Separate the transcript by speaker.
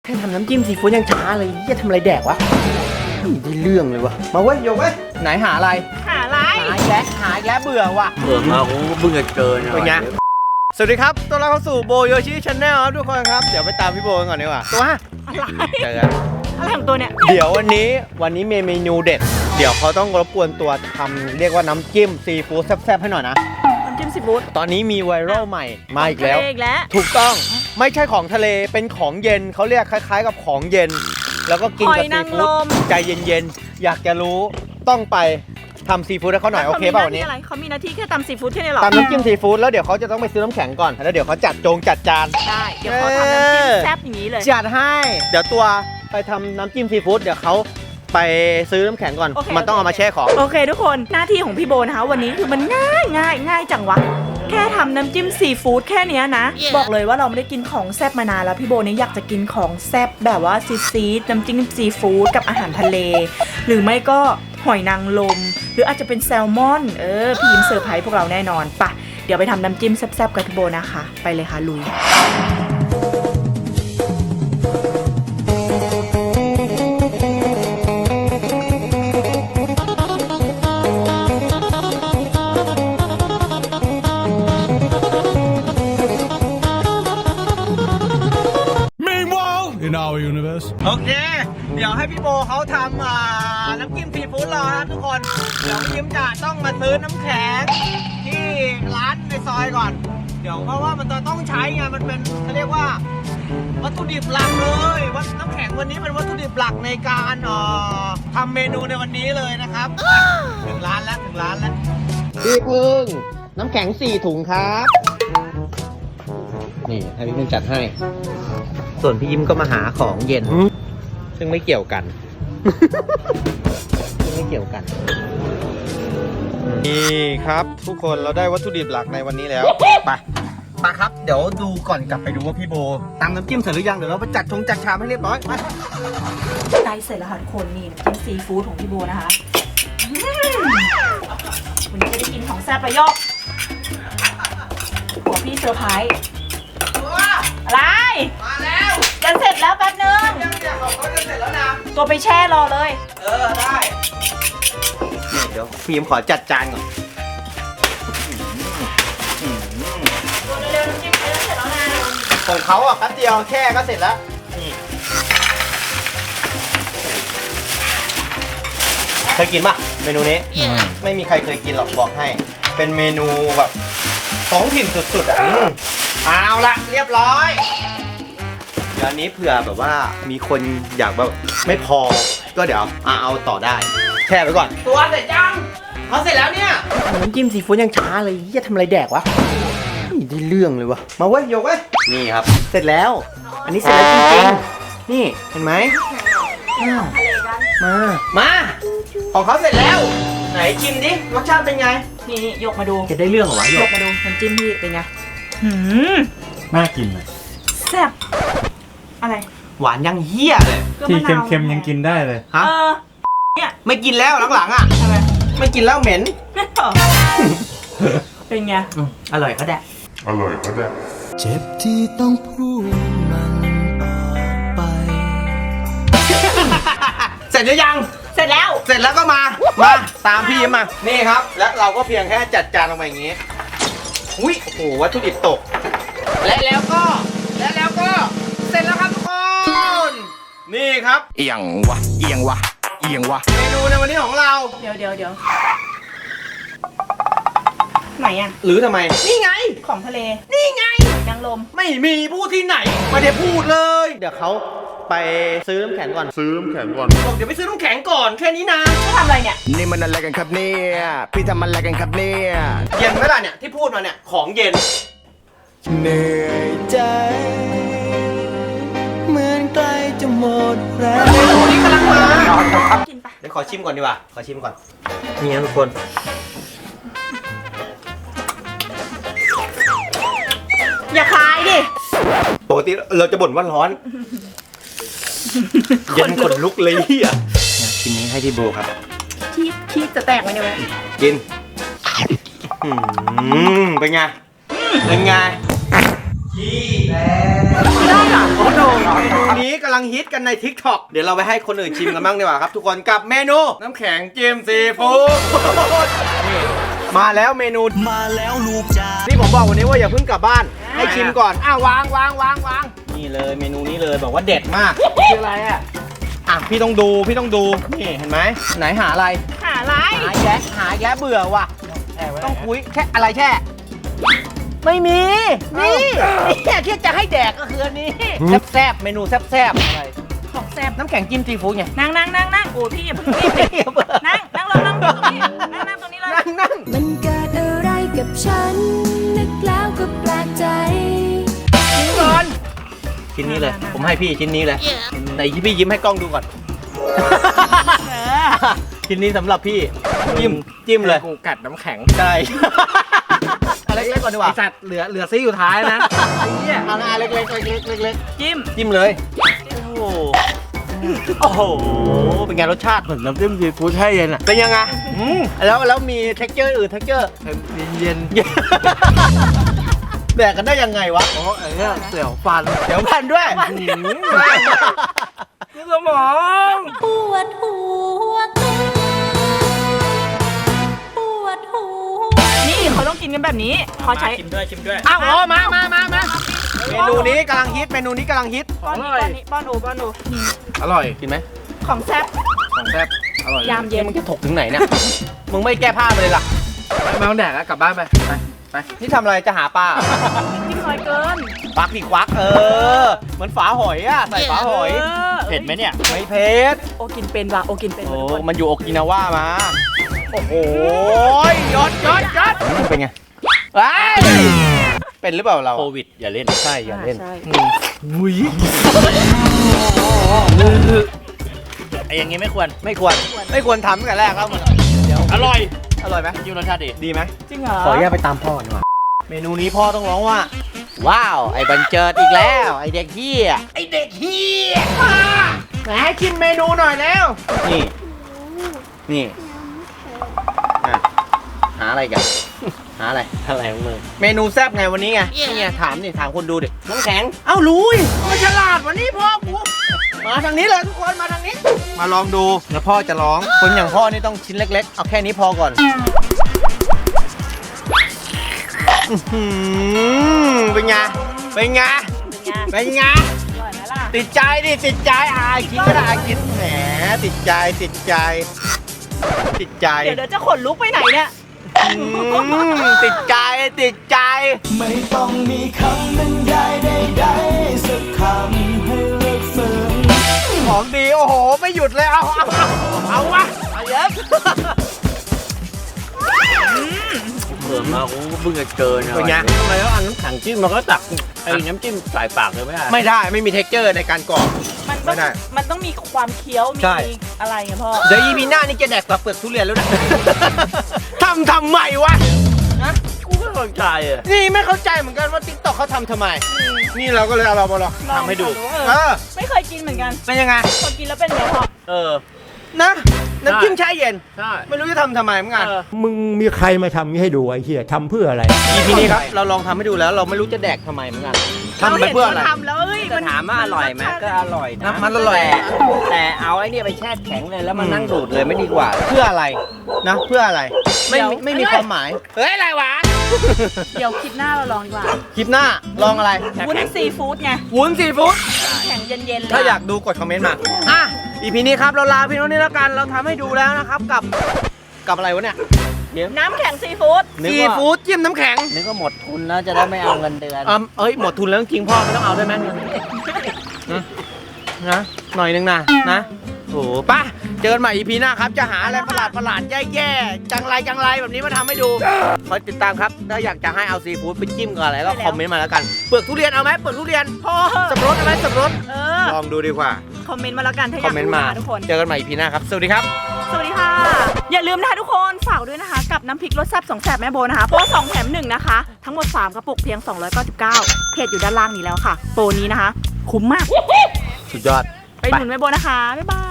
Speaker 1: แค่ทำน้ำจิ้มซีฟู้ดยังช้าเลยจะทำอะไรแดกวะไม่ได้เรื่องเลยวะมาเว้ยโยกเว้ยไหนหาอะไร
Speaker 2: หาอะไร
Speaker 1: หาอีกแล้วเบื่อว่ะ
Speaker 3: เบื่อมากูเพิ่งจะเจอเนี่ย
Speaker 1: เป็นไงสวัสดีครับต้อนรับเข้าสู่โบโยชิชาแนลครับทุกคนครับเดี๋ยวไปตามพี่โบกันก่อนดีกว่าตัว
Speaker 2: อะไร
Speaker 1: เจอกัน
Speaker 2: อะไรของตัวเนี่ย
Speaker 1: เดี๋ยววันนี้มีเมนูเด็ดเดี๋ยวเขาต้องรบกวนตัวทำเรียกว่าน้ำจิ้มซีฟู้ดแซ่บๆให้หน่อยนะ
Speaker 2: น้ำจิ้มซีฟู้ด
Speaker 1: ตอนนี้มีไวรัลใหม่มาอีกแล้ว ถูกต้องไม่ใช่ของทะเลเป็นของเย็นเขาเรียกคล้ายๆกับของเย็นแล้วก็กินกับซีฟู้ดใจเย็นๆอยากจะรู้ต้องไปทำซีฟู้ดให้เขาหน่อยโอเคเปล่าวันนี้
Speaker 2: เขามีหน้าที่แค่ตำซีฟู้ดแค่นี้หรอ
Speaker 1: ตำน้ำจิ้มซีฟู้ดแล้วเดี๋ยวเขาจะต้องไปซื้อน้ำแข็งก่อนแล้วเดี๋ยวเขาจัดจาน
Speaker 2: ได้เดี๋ยวเขาทำน้ำจิ้มแซ่บอย่างนี้เลย
Speaker 1: จัดให้เดี๋ยวตัวไปทำน้ำจิ้มซีฟู้ดเดี๋ยวเขาไปซื้อน้ำแข็งก่อนมันต้องเอามาแช่ของ
Speaker 2: โอเคทุกคนหน้าที่ของพี่โบนะคะวันนี้คือมันง่ายจังวะแค่ทำน้ำจิ้มซีฟู้ดแค่นี้นะบอกเลยว่าเราไม่ได้กินของแซ่บมานานแล้วพี่โบเนี่ยอยากจะกินของแซ่บแบบว่าซีดน้ำจิ้มซีฟู้ดกับอาหารทะเลหรือไม่ก็หอยนางรมหรืออาจจะเป็นแซลมอนพี่ยิ้มเซอร์ไพรส์พวกเราแน่นอนปะเดี๋ยวไปทำน้ำจิ้มแซ่บๆกับพี่โบนะคะไปเลยค่ะลุย
Speaker 1: โอเคเดี๋ยวให้พี่โบเขาทำน้ำจิ้มซีฟู้ดรอนะทุกคนเดี๋ยวพี่ยิ้มจะต้องมาซื้อน้ำแข็งที่ร้านในซอยก่อนเดี๋ยวเพราะว่ามันจะต้องใช้ไงมันเป็นเขาเรียกว่าวัตถุดิบหลักเลยน้ำแข็งวันนี้เป็นวัตถุดิบหลักในการทำเมนูในวันนี้เลยนะครับถึงร้านแล้วพี่พึ่งน้ำแข็ง4 ถุงครับนี่ให้พี่พึ่งจัดให้ส่วนพี่ยิ้มก็มาหาของเย็นซึ่งไม่เกี่ยวกันนี่ครับทุกคนเราได้วัตถุดิบหลักในวันนี้แล้วไปครับเดี๋ยวดูก่อนกลับไปดูว่าพี่โบตำน้ำจิ้มเสร็จหรือยังเดี๋ยวเราไปจัดชามให้เรียบร้อยไป
Speaker 2: ใกล้เสร็จแล้วค่ะทุกคนนี่น้ำจิ้มซีฟู้ดของพี่โบนะคะวันนี้จะได้กินของแซ่บประโยคหัวพี่เซอร์ไพรส์อะไร
Speaker 1: มาแล้ว
Speaker 2: จะเสร็จแล้วแป๊บนึง
Speaker 1: ยังของเขาจะเสร็จแล้วนะ
Speaker 2: ตัวไปแช่รอเลย
Speaker 1: ได้นี่เดี๋ยวพี่ยิ้มขอจัดจานก่อน
Speaker 2: ตัวเร็วๆน้ำจิ้มเสร็จแล้วนะ
Speaker 1: ของเขาอ่ะแป๊บเดียวแค่ก็เสร็จแล้วนี่เคยกินป่ะเมนูนี้ไม่มีใครเคยกินหรอกบอกให้เป็นเมนูแบบท้องถิ่นสุดๆอ่ะเอาละเรียบร้อยเดี๋ยวนี้เผื่อแบบว่ามีคนอยากแบบไม่พอก็เดี๋ยวเอาต่อได้แช่ไปก่อนตัวเสร็จยังเขาเสร็จแล้วเนี่ยน้ำจิ้มซีฟู้ดยังช้าเลยจะทำอะไรแดกวะไม่ได้เรื่องเลยวะมาเว้ยโยกเว้ยนี่ครับเสร็จแล้วอันนี้เสร็จแล้วจริงๆนี่เห็นไหมมาของเขาเสร็จแล้วไหนชิมดิรสชาติเป็นไง
Speaker 2: นี่ยกมาดู
Speaker 1: จะได้เรื่องเหรอวะ
Speaker 2: ยกมาดูน้ำจิ้มพี่เป็นไง
Speaker 3: น่ากินเลย
Speaker 2: แซ่บอะไร
Speaker 1: หวานยังเฮี้ยเลย
Speaker 3: ที่เค็มๆยังกินได้เลย
Speaker 1: ฮะเนี่ยไม่กินแล้วหลังๆอ่ะไม่กินแล้วเหม็น
Speaker 2: เป็นไง
Speaker 1: อร่อยก็ได้
Speaker 4: เจ็บที่ต้องพูดมันออกไป
Speaker 1: เสร็จหรือยัง
Speaker 2: เสร็จแล้ว
Speaker 1: ก็มาตามพี่มานี่ครับแล้วเราก็เพียงแค่จัดจานลงไปอย่างนี้อุ้ยโอ้โหวัตถุดิบตกและแล้วก็เสร็จแล้วครับทุกคนนี่ครับ
Speaker 4: เอียงวะเ
Speaker 1: มนูในวันนี้ของเรา
Speaker 2: เดี๋ยวไหนอ่ะ
Speaker 1: หรือทำไมนี่ไง
Speaker 2: ของทะเล
Speaker 1: นี่ไง
Speaker 2: นางรม
Speaker 1: ไม่มีพูดที่ไหนไม่ได้พูดเลยเดี๋ยวเขาไปซื้อน้ำแข็งก่อนบอกเดี๋ยวไปซื้อน้ำแข็งก่อนแค่นี้นะ
Speaker 2: จะทำอะไรเนี่ย
Speaker 4: นี่มันอะไรกันครับเนี่ยพี่ทำอะไรกันครับเนี่ย
Speaker 1: เย็นไหมล่ะเนี่ยที่พูดมาเนี่ยของเย็น
Speaker 4: เหนื่อยใจเหมือนใกล้จะหมดแรง
Speaker 1: เมนูนี้กำลังมา
Speaker 2: กินปะ
Speaker 1: เดี๋ยวขอชิมก่อนดีกว่านี่นะทุกคน
Speaker 2: อย่าคายดิ
Speaker 1: ปกติเราจะบ่นว่าร้อนเย็นขนลุกเลยอ่ะชิ้นนี้ให้ที่โบครับ
Speaker 2: ขี้จะแตกไหมเนี่ย
Speaker 1: กินเป็นไง
Speaker 2: ได้เหรอ
Speaker 1: โอ้โหเมนูนี้กำลังฮิตกันใน TikTok เดี๋ยวเราไปให้คนอื่นชิมกันบ้างดีกว่าครับทุกคนกับเมนูน้ำแข็งจิ้มซีฟู้ดนี่มาแล้วเมนู
Speaker 4: มาแล้วลูกจ้า
Speaker 1: ที่ผมบอกวันนี้ว่าอย่าเพิ่งกลับบ้านให้ชิมก่อนวางนี่เลยเมนูนี้เลยบอกว่าเด็ดมากคืออะไรพี่ต้องดูนี่เห็นไหมไหนหาอะไร
Speaker 2: หาอะไร
Speaker 1: หาแย้เบื่อว่ะต้องคุยแค่อะไรแช่ไม่มีนี่ที่จะให้แดกก็คืออันนี้แซ่บเมนูแซ่บอะไร
Speaker 2: ของแซ่บ
Speaker 1: น้ำแข็งจิ้มซีฟู้ดไง
Speaker 2: นั่งโอ้พี่อย่าเพิ่งรีบดินั่งลงนั่งตรงนี้นั่งตรงนี้เลย
Speaker 1: นั่ง
Speaker 5: มันเกิดอะไรกับฉัน นึกแล้วก็แปลกใจ
Speaker 1: กินก่อนชิ้นนี้เลยผมให้พี่ชิ้นนี้เลยไหนพี่ยิ้มให้กล้องดูก่อนชิ้นนี้สำหรับพี่จิ้มเลย
Speaker 3: กูกัดน้ำแข็ง
Speaker 1: ใช่เล็กๆก่อนดีกว่า
Speaker 3: ไอสัตว์เหลือซี่อยู่ท้ายนะไอ้เหี้ย
Speaker 1: เอาเล็กๆ
Speaker 2: จิ้ม
Speaker 1: เลยโอ้โหเป็นไงรสชาติ
Speaker 3: เหมือนน้ำจิ้มซีฟู้ดให้เย็นอ่ะ
Speaker 1: เป็นยังไงแล้วมีเท็กเจอร์อื่นเท็กเจอร์
Speaker 3: เย็น
Speaker 1: แดกกันได้ยังไงวะ
Speaker 3: ๆอ๋อไอ้เนี่ยเสี่ยวฟัน
Speaker 1: เดี๋ยวพันด้วย
Speaker 3: นี่สมอง
Speaker 5: ปวดหัว
Speaker 2: นี่เขาต้องกินกันแบบนี้เขาใช้
Speaker 3: ชิมด้วย
Speaker 1: อ้าวมาเมนูนี้กำลังฮิต
Speaker 2: ป้อนนี้ป้อนโอนี่
Speaker 3: อร่อย
Speaker 1: กินไหม
Speaker 2: ของแซ่บ
Speaker 3: ของแซ่บอร่อย
Speaker 2: ยามเย็น
Speaker 1: มึงจะถกถึงไหนเนี่ย มึงไม่แก้ผ้าไปเลยล่ะ
Speaker 3: ไม่ต้องแดกแล้วกลับบ้านไปไป
Speaker 1: นี่ทำอะไรจะหาปลา
Speaker 2: จิ้มน้อยเกิน
Speaker 1: ควักเหมือนฝาหอยอะใส่ฝาหอย
Speaker 2: เผ็ดไหมเนี่ย
Speaker 1: ไม่เผ็ด
Speaker 2: โอกินเป็นว่ะโอกินเป็น
Speaker 1: โอ้
Speaker 2: ทุกคน
Speaker 1: มันอยู่โอกินาว่ามา โอ้โหยอดเป็นไงเป็นหรือเปล่าเรา
Speaker 3: โควิดอย่าเล่น
Speaker 1: ใช่อย่าเล่น
Speaker 2: ใช่
Speaker 1: มุ้ย
Speaker 3: ไอ้อย่างงี้ไม่ควร
Speaker 1: ไม่ควรทำตั้งแต่แรกแล้วมัน
Speaker 3: อร่อย
Speaker 1: อร่อยไหม
Speaker 3: ยิ่งรสชาติดี
Speaker 1: ดีไหม
Speaker 2: จริงเหรอ
Speaker 1: ขออนุญาตไปตามพ่อดีกว่าเมนูนี้พ่อต้องร้องว่า ว้าว ไอ้บันเจิดอีกแล้ว ไอ้เด็กเฮียไหนให้ชิมเมนูหน่อยแล้ว นี่หาอะไรกัน หาอะไร
Speaker 3: อะไรของมึง
Speaker 1: เมนูแซ่บไงวันนี้ไง นี่ไงถามคนดูดิ น้ำแข็ง เอ้ารู้ยมันฉลาดวันนี้พ่อกู มาทางนี้เลยทุกคนมาทางนี้ มาลองดูแล้วพ่อจะร้อง คนอย่างพ่อนี่ต้องชิ้นเล็กๆ เอาแค่นี้พอก่อนเป็นไง
Speaker 2: อร่อยไหมล่ะ
Speaker 1: ติดใจกินก็ได้กินแหมติดใจ
Speaker 2: เดี๋ยวจะขนลุกไปไหนเนี่ย
Speaker 1: ติดใจ
Speaker 4: ไม่ต้องมีคำบรรยายใดๆสักคำให้เลิกฝืน
Speaker 1: ของดีโอ้โหไม่หยุดเลยเอาวะเอาเยอะ
Speaker 3: เผื่อมากูเพิ่งจะเจอเนี่ย
Speaker 1: เป็นไง
Speaker 3: ทำไมต้องเอาน้ำแข็งจิ้มมันก็ตักไอ้น้ำจิ้มใส่ปากเลยไม่ได้
Speaker 1: ไม่มีเท็กเจอร์ในการกรอบ
Speaker 2: มันต้องมีความเคี้ยวมี
Speaker 1: ใช่
Speaker 2: อะไรไงพ่อ
Speaker 1: เดี๋ยว EP หน้านี่จะแดกเปลือกทุเรียนแล้วนะ ทำไมวะ
Speaker 3: กูไม่เข้าใจอ่ะ
Speaker 1: นี่ไม่เข้าใจเหมือนกันว่า TikTok เขาทำไม นี่เราก็เลยเอาเรามาลองทำให้ดู
Speaker 2: ไม่เคยกินเหมือนกัน
Speaker 1: เป็นยังไง
Speaker 2: พอกินแล้วเป็นไงพ่อ
Speaker 1: นะน้ำจิ้มแช่เย็น
Speaker 3: ใช่
Speaker 1: ไม่รู้จะทำไมเหมือนกัน
Speaker 6: มึงมีใครมาทำนี้ให้ดูไอ้เหี้ยทำเพื่ออะไร
Speaker 1: EP นี้ครับเราลองทำให้ดูแล้วเราไม่รู้จะแดกทำไมเหมือนกันทำไปเพื่ออะไร
Speaker 2: ราห็นขาทำแล้วเอ้ย
Speaker 3: จะถามว่าอร่อยไหมก็อร่อยนะ
Speaker 1: มันอร่อย
Speaker 3: แต่เอาไอ้เนี่ยไปแช่แข็งเลยแล้วมานั่งดูดเลยไม่ดีกว่า
Speaker 1: เพื่ออะไรนะเพื่ออะไรไม่มีความหมายเฮ้ยอะไรวะ
Speaker 2: เดี๋ยวคลิปหน้าเราลองดีกว่า
Speaker 1: คลิปหน้าลองอะไร
Speaker 2: วุ้นซีฟู้ดไง
Speaker 1: วุ้นซีฟู้ด
Speaker 2: แข็งเย็นๆเลย
Speaker 1: ถ้าอยากดูกดคอมเมนต์มาEP นี้ครับเราลาพี่น้องนี่แล้วกันเราทำให้ดูแล้วนะครับกับอะไรวะเนี่ย
Speaker 2: น้ำแข็งซีฟู้ด
Speaker 1: ซีฟู้ดจิ้มน้ำแข็ง
Speaker 3: นึกว่าหมดทุนแล้วจะได้ไม่เอาเงินเดือน
Speaker 1: หมดทุนแล้วจริงๆพ่อไม่ต้องเอาได้ไหมนะหน่อยนึงนะโอ้ป่ะเจอกันใหม่ EP หน้าครับจะหาอะไรประหลาดแย่ๆจังไรแบบนี้มาทำให้ดูคอยติดตามครับถ้าอยากจะให้เอาซีฟู้ดไปจิ้มกับอะไรก็คอมเมนต์มาแล้วกันเปลือกทุเรียนเอาไหมเปลือกทุเรียน
Speaker 2: พ่อ
Speaker 1: สับปะรดเอาไหมสับปะรด
Speaker 2: เ
Speaker 1: ลองดูดีกว่า
Speaker 2: คอมเมนต์มาแล้วกันถ้าอาก
Speaker 1: คอยมเมนต์
Speaker 2: รู้
Speaker 1: มา
Speaker 2: นะทุกคน
Speaker 1: เจอกันใหม่ EP หน้าครับสวัสดีครับ
Speaker 2: สวัสดีค่ะ อย่าลืมนะคะทุกคนฝากด้วยนะคะ กับน้ำพริกรสแซ่บ2แซ่บแม่โบนะคะโปร2แถม1นะคะทั้งหมด3กระปุกเพียง299เพจอยู่ด้านล่างนี้แล้วค่ะโปรนี้นะคะคุ้มมาก
Speaker 1: สุดยอด
Speaker 2: ไปหนุนแม่โบนะคะบ๊ายบาย